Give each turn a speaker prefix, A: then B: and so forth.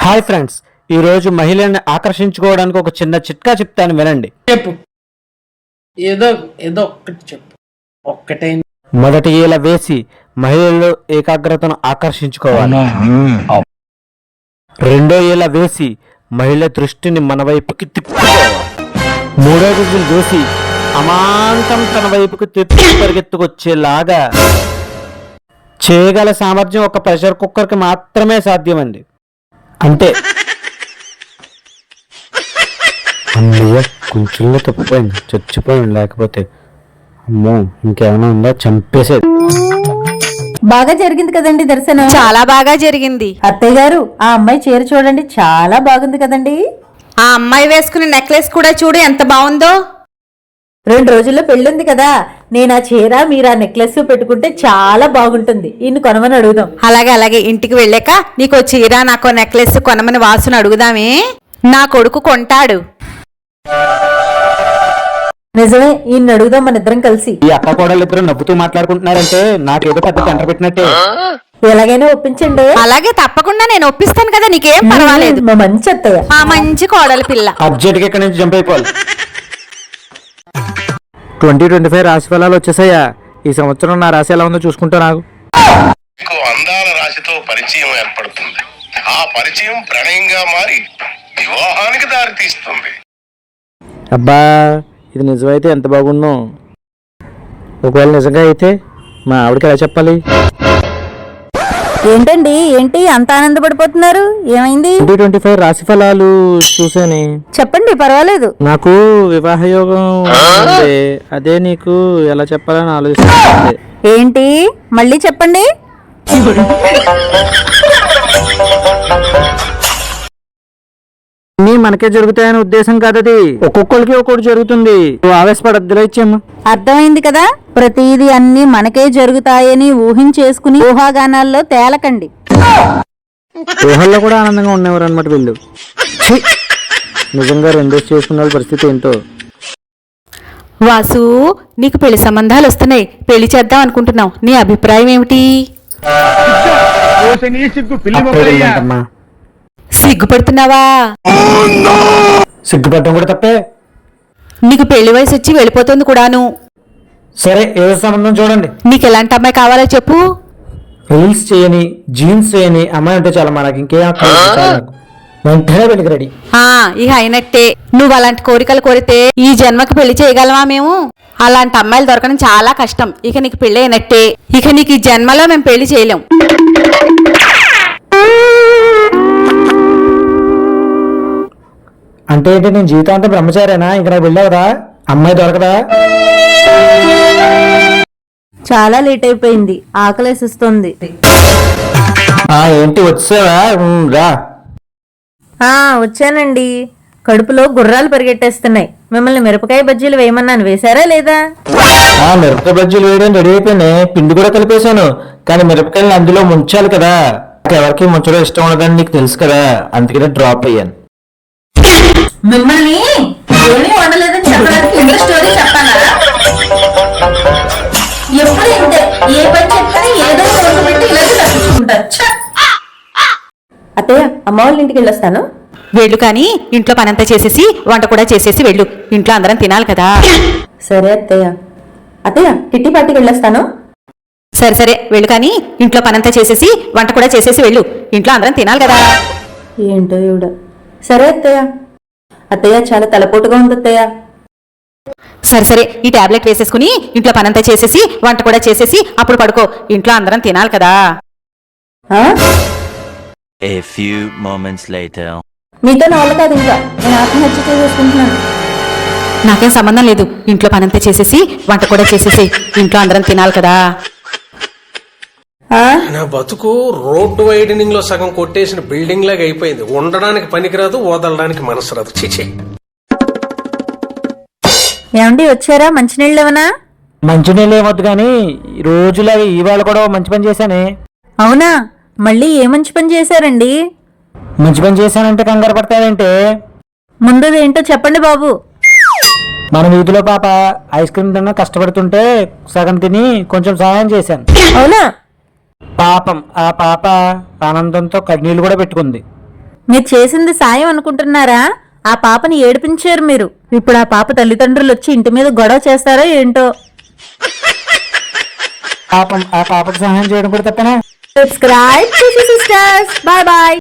A: Hi friends, ఈ రోజు మహిళల్ని ఆకర్షించుకోవడానికి ఒక చిన్న చిట్కా చెప్తాను, వినండి.
B: చెప్పు. ఏదో ఏదో ఒక్కటి చెప్పు. ఒక్కటే.
A: మొదటి ఈల వేసి మహిళల్లో ఏకాగ్రతను ఆకర్షించుకోవాలి. రెండో ఈల వేసి మహిళ దృష్టిని మన వైపుకి తిప్పుకోవాలి. మూడో విజిల్ వేసి అమాంతం తన వైపుకి తిప్పి పరిగెత్తుకొచ్చేలాగా చేయగల సామర్థ్యం ఒక ప్రెషర్ కుక్కర్కి మాత్రమే సాధ్యమండి. అంతే. అమ్మయ్య, కొంచెంలో తప్పిపోయింది, చచ్చిపోయింది. లేకపోతే అమ్మో ఇంకేమైనా ఉందా, చంపేసేది.
C: బాగా జరిగింది కదండి దర్శనం?
D: చాలా బాగా జరిగింది.
C: అత్తయ్య గారు, ఆ అమ్మాయి చీర చూడండి, చాలా బాగుంది కదండి.
D: ఆ అమ్మాయి వేసుకునే నెక్లెస్ కూడా చూడు ఎంత బాగుందో.
C: 2 రోజుల్లో పెళ్ళుంది కదా, నేను ఆ చీర మీరు ఆ నెక్లెస్ పెట్టుకుంటే చాలా బాగుంటుంది. ఇన్ని కొనమని అడుగుదాం.
D: అలాగే అలాగే, ఇంటికి వెళ్ళాక నీకో చీర నాకో నెక్లెస్ కొనమని వాసును అడుగుదామే. నా కొడుకు కొంటాడు.
C: నిజమే, ఈయన అడుగుదాం మన ఇద్దరం కలిసి.
A: ఈ అక్క కోడలు ఇద్దరు నవ్వుతూ మాట్లాడుకుంటున్నారంటే నాకేదో పెద్ద టెంటర్ పెట్టినట్టే.
C: ఎలాగైనా ఒప్పించండి.
D: అలాగే, తప్పకుండా నేను ఒప్పిస్తాను కదా, నీకేం పర్వాలేదు.
C: మా మంచి అత్తయ్య,
D: ఆ మంచి కోడలి పిల్ల.
A: అర్జెంట్ గా ఇక్కడ నుంచి జంప్ అయిపోవాలి. 2025 రాశి ఫలాలు వచ్చేసాయా? ఈ సంవత్సరం నా రాశి ఎలా ఉందో చూసుకుంటా. నాకు
E: అందాల రాశితో పరిచయం ఏర్పడుతుంది. ఆ పరిచయం ప్రణయంగా మారి వివాహానికి దారితీస్తుంది.
A: అబ్బా, ఇది నిజమైతే ఎంత బాగుందో. ఒకవేళ నిజంగా అయితే మా ఆవిడకి ఎలా చెప్పాలి?
C: ఏంటండి, ఏంటి అంత ఆనందపడిపోతున్నారు? ఏమైంది?
A: 2025 రాశి ఫలాలు చూసానే.
C: చెప్పండి, పర్వాలేదు.
A: నాకు వివాహ యోగం ఉంది. అదే నీకు ఎలా చెప్పాలని ఆలోచిస్తుంది.
C: ఏంటి, మళ్ళీ చెప్పండి.
A: అన్నీ మనకే జరుగుతాయనే ఉద్దేశం కాదది. ఒక్కొక్కరికి ఒక్కొక్కటి జరుగుతుంది. ఆవేశపడద్దులో ఇచ్చేమ్మా.
C: అర్థమైంది కదా, ప్రతిదీ అన్ని మనకే జరుగుతాయని ఊహించేసుకుని ఊహాగానాల్లో తేలకండి.
A: ఊహల్లో కూడా ఆనందంగా ఉండేవారు అనమాట వీళ్ళు. ఛీ! నిజంగా రెండోసి చేసుకున్న వాళ్ళ పరిస్థితి ఏంటో.
D: వాసు, నీకు పెళ్లి సంబంధాలు వస్తున్నాయి. పెళ్లి చేద్దాం అనుకుంటున్నావు. నీ అభిప్రాయం ఏమిటి?
A: అమ్మా,
D: సిగ్గుపడుతున్నావా?
A: సిగ్గుపడటం కూడా తప్పే.
D: నీకు పెళ్లి వయసు వచ్చి వెళ్ళిపోతుంది కూడాను.
A: సరే, ఏదో సంబంధం చూడండి.
D: నీకు ఎలాంటి అమ్మాయి కావాలో చెప్పు.
A: రీల్స్ చేయని, జీన్స్ చేయని అమ్మాయి అంటే చాలా. మనకి ఇంకేం అక్కర్లేదు. చాలు నాకు. వెంటనే పెళ్లికి రెడీ.
D: ఇక అయినట్టే. నువ్వు అలాంటి కోరికలు కోరితే ఈ జన్మకి పెళ్లి చేయగలవా మేము? అలాంటి అమ్మాయిలు దొరకడం చాలా కష్టం. ఇక నీకు పెళ్లి అయినట్టే. ఇక నీకు ఈ జన్మలో మేము పెళ్లి చేయలేం.
A: అంటే ఏంటి, నేను జీవితాంతం బ్రహ్మచారేనా? ఇక్కడ వెళ్ళావురా, అమ్మాయి దొరకదా?
C: చాలా లేట్ అయిపోయింది, ఆకలేసిస్తుంది.
A: ఏంటి వచ్చావా? రా.
C: వచ్చానండి. కడుపులో గుర్రాలు పరిగెట్టేస్తున్నాయి. మిమ్మల్ని మిరపకాయ బజ్జీలు వేయమన్నాను, వేశారా లేదా?
A: మిరపకాయ బజ్జీలు వేయడం రెడీ అయిపోయినాయి. పిండి కూడా కలిపేశాను. కానీ మిరపకాయలు అందులో ముంచాలి కదా. ఎవరికి ముంచడం ఇష్టం ఉండదని నీకు తెలుసు కదా, అందుకనే డ్రాప్ అయ్యాను.
C: మిమ్మల్ని ఏమీ వండలేదని చెప్పడానికి ఇంత స్టోరీ చెప్పాలా? ఎప్పుడు ఇంతే, ఏ పని చెప్తే ఏదో ఒకటి పెట్టి ఇలాగే తప్పించుకుంటారు. అత్తయ్య, అమ్మ వాళ్ళ ఇంటికి వెళ్ళొస్తాను.
D: వెళ్ళు, కానీ ఇంట్లో పనంతా చేసేసి వంట కూడా చేసేసి వెళ్ళు. ఇంట్లో అందరం తినాలి కదా.
C: సరే అత్తయ్య. అత్తయ్య, కిట్టి పార్టీకి వెళ్ళొస్తాను.
D: సరే సరే, వెళ్ళు, కానీ ఇంట్లో పనంతా చేసేసి వంట కూడా చేసేసి వెళ్ళు. ఇంట్లో అందరం తినాలి కదా.
C: ఏంటో ఇవిడ. సరే అత్తయ్య. అత్తయ్య, చాలా తలపోటుగా ఉంది అత్తయ్య.
D: సరే సరే, ఈ టాబ్లెట్ వేసేసుకుని ఇంట్లో పనంతా చేసేసి వంట కూడా చేసేసి అప్పుడు పడుకో. ఇంట్లో అందరం తినాలి కదా.
F: A few moments later.
C: మీతో నా వల్ల కాదు, ఇంకా నేను ఆత్మహత్య చేసుకుంటున్నాను.
D: నాకేం సంబంధం లేదు. ఇంట్లో పనంతా చేసేసి వంట కూడా చేసేసి ఇంట్లో అందరం తినాలి కదా.
B: నా బతుకు రోడ్డు వైడనింగ్ లో సగం కొట్టేసిన బిల్డింగ్ లాగా అయిపోయింది. ఉండడానికి పనికిరాదు, వదలడానికి మనసు రాదు. చిచి.
C: ఏమండి, వచ్చారా? మంచినీళ్ళు ఏమన్నా?
A: మంచినీళ్ళు ఏమొద్దు, కానీ రోజులాగా ఇవాళ కూడా మంచి పని చేశానే.
C: అవునా? మళ్ళీ ఏ మంచి పని చేశారండి?
A: మంచి పని చేశానంటే కంగారు పడతావేంటే?
C: ముందు ఏంటో చెప్పండి బాబు.
A: మన వీధిలో పాప ఐస్ క్రీమ్ తిన్నా కష్టపడుతుంటే సగం తిని కొంచెం సహాయం చేశాను.
C: అవునా?
A: పాపం ఆ పాప ఆనందంతో కన్నీళ్లు కూడా పెట్టుకుంది.
C: మీరు చేసింది సాయం అనుకుంటున్నారా? ఆ పాపని ఏడిపించారు మీరు. ఇప్పుడు ఆ పాప తల్లిదండ్రులు వచ్చి ఇంటి మీద గొడవ చేస్తారో ఏంటో.
A: పాపం ఆ పాపకు సహాయం చేయడం కూడా తప్పనా?
C: Subscribe sisters. Bye bye.